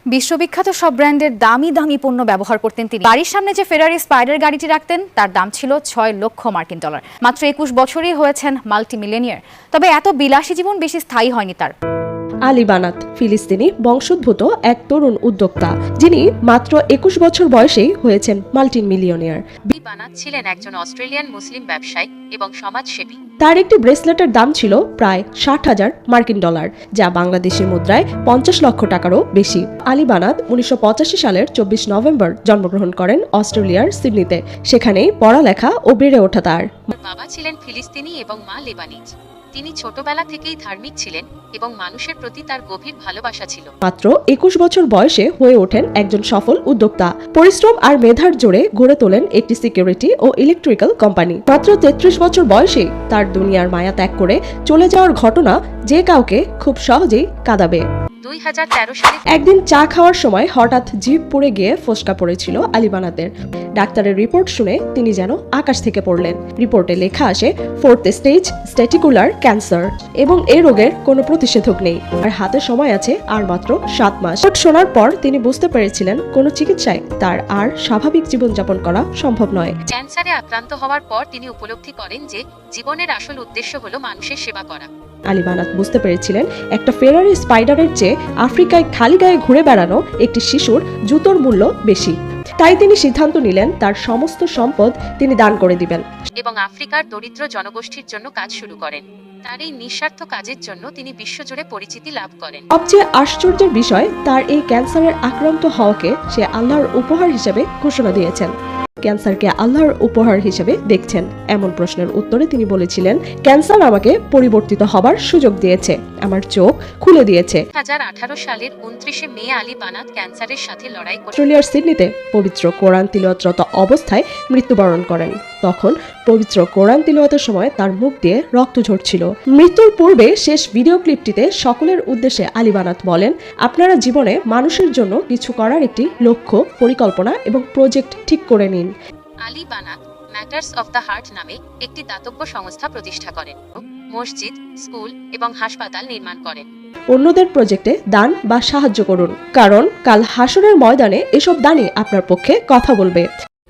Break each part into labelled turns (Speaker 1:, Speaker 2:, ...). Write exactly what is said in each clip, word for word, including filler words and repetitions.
Speaker 1: বিশ্ববিখ্যাত সব ব্র্যান্ডের দামি দামি পণ্য ব্যবহার করতেন তিনি। বাড়ির সামনে যে ফেরারি স্পাইডার গাড়িটি রাখতেন তার দাম ছিল ছয় লক্ষ মার্কিন ডলার। মাত্র একুশ বছরই হয়েছেন মাল্টি মিলিয়নিয়ার। তবে এত বিলাসী জীবন বেশি স্থায়ী হয়নি তার।
Speaker 2: আলী বানাত ফিলিস্তিনি বংশোদ্ভূত এক তরুণ উদ্যোক্তা, যিনি মাত্র একুশ বছর বয়সেই হয়েছেন মাল্টি মিলিয়নিয়ার।
Speaker 3: বানাত ছিলেন একজন অস্ট্রেলিয়ান মুসলিম ব্যবসায়ী এবং সমাজসেবী।
Speaker 2: তার একটি ব্রেসলেটের দাম ছিল প্রায় ষাট হাজার মার্কিন ডলার, যা বাংলাদেশের মুদ্রায় পঞ্চাশ লক্ষ টাকারও বেশি। আলী বানাত উনিশশো পঁচাশি সালের চব্বিশ নভেম্বর জন্মগ্রহণ করেন অস্ট্রেলিয়ার সিডনিতে। সেখানেই পড়ালেখা ও বেড়ে ওঠা তার।
Speaker 3: বাবা ছিলেন ফিলিস্তিনি এবং মা লেবানিজ। তিনি ছোটবেলা থেকেই ধার্মিক ছিলেন এবং মানুষের প্রতি তার গভীর ভালোবাসা ছিল।
Speaker 2: মাত্র একুশ বছর বয়সে হয়ে ওঠেন একজন সফল উদ্যোক্তা। পরিশ্রম আর মেধার জোরে গড়ে তোলেন একটি সিকিউরিটি ও ইলেকট্রিক্যাল কোম্পানি। মাত্র তেত্রিশ বছর বয়সে তার দুনিয়ার মায়া ত্যাগ করে চলে যাওয়ার ঘটনা যে কাউকে খুব সহজেই কাঁদাবে।
Speaker 3: দুই হাজার তেরো সালে
Speaker 2: একদিন চা খাওয়ার সময় হঠাৎ জিভ পুড়ে গিয়ে ফোসকা পড়েছিল আলী বানাতের। ডাক্তারের রিপোর্ট শুনে তিনি যেন আকাশ থেকে পড়লেন। রিপোর্টে লেখা আসে ফোর্থ স্টেজ স্ট্যাটিকুলার ক্যান্সার এবং এই রোগের কোনো প্রতিষেধক নেই, আর হাতে সময় আছে আর মাত্র সাত মাস। রিপোর্ট শোনার পর তিনি বুঝতে পেরেছিলেন কোনো চিকিৎসায় তার আর স্বাভাবিক জীবনযাপন করা সম্ভব নয়।
Speaker 3: ক্যান্সারে আক্রান্ত হওয়ার পর তিনি উপলব্ধি করেন যে জীবনের আসল উদ্দেশ্য হলো মানুষের সেবা করা।
Speaker 2: আলী বানাত বুঝতে পেরেছিলেন একটা ফেরারি স্পাইডারের চেয়ে আফ্রিকায় খালি গায়ে ঘুরে বেড়ানো একটি শিশুর জুতোর মূল্য বেশি। তাই তিনি সিদ্ধান্ত নিলেন তার সমস্ত সম্পদ তিনি দান করে দিবেন
Speaker 3: এবং আফ্রিকার দরিদ্র জনগোষ্ঠীর জন্য কাজ শুরু করেন। তার এই নিঃস্বার্থ কাজের জন্য তিনি বিশ্বজুড়ে পরিচিতি লাভ করেন।
Speaker 2: সবচেয়ে আশ্চর্যের বিষয়, তার এই ক্যান্সারের আক্রান্ত হওয়াকে সে আল্লাহর উপহার হিসেবে ঘোষণা দিয়েছেন। ক্যান্সারকে আল্লাহর উপহার হিসেবে দেখছেন এমন প্রশ্নের উত্তরে তিনি বলেছিলেন, ক্যান্সার আমাকে পরিবর্তিত হবার সুযোগ দিয়েছে, আমার চোখ খুলে দিয়েছে।
Speaker 3: দুই হাজার আঠারো সালের উনত্রিশে মে আলী বানাত ক্যান্সারের সাথে লড়াই করে
Speaker 2: অস্ট্রেলিয়ার সিডনিতে পবিত্র কোরআন তিলাওয়াতরত অবস্থায় মৃত্যুবরণ করেন। তখন পবিত্র কোরআন তিলাওয়াতের সময় তার মুখ দিয়ে রক্ত ঝরছিল। মৃত্যুর পূর্বে শেষ ভিডিও ক্লিপটিতে সকলের উদ্দেশ্যে আলী বানাত বলেন, আপনারা জীবনে মানুষের জন্য কিছু করার একটি লক্ষ্য, পরিকল্পনা এবং প্রজেক্ট ঠিক করে নিন।
Speaker 3: Ali Banat matters of the heart নামে একটি দাতব্য সংস্থা প্রতিষ্ঠা করেন। মসজিদ, স্কুল এবং হাসপাতাল নির্মাণ করেন।
Speaker 2: অন্যদের প্রজেক্টে দান বা সাহায্য করুন, কারণ কাল হাসরের ময়দানে এসব দানই আপনার পক্ষে কথা বলবে।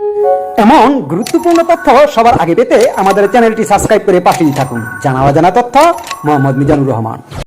Speaker 4: এমন গুরুত্বপূর্ণ তথ্য সবার আগে পেতে আমাদের চ্যানেলটি সাবস্ক্রাইব করে পাশেই থাকুন। জানা অজানা তথ্য মোহাম্মদ মিজানুর রহমান।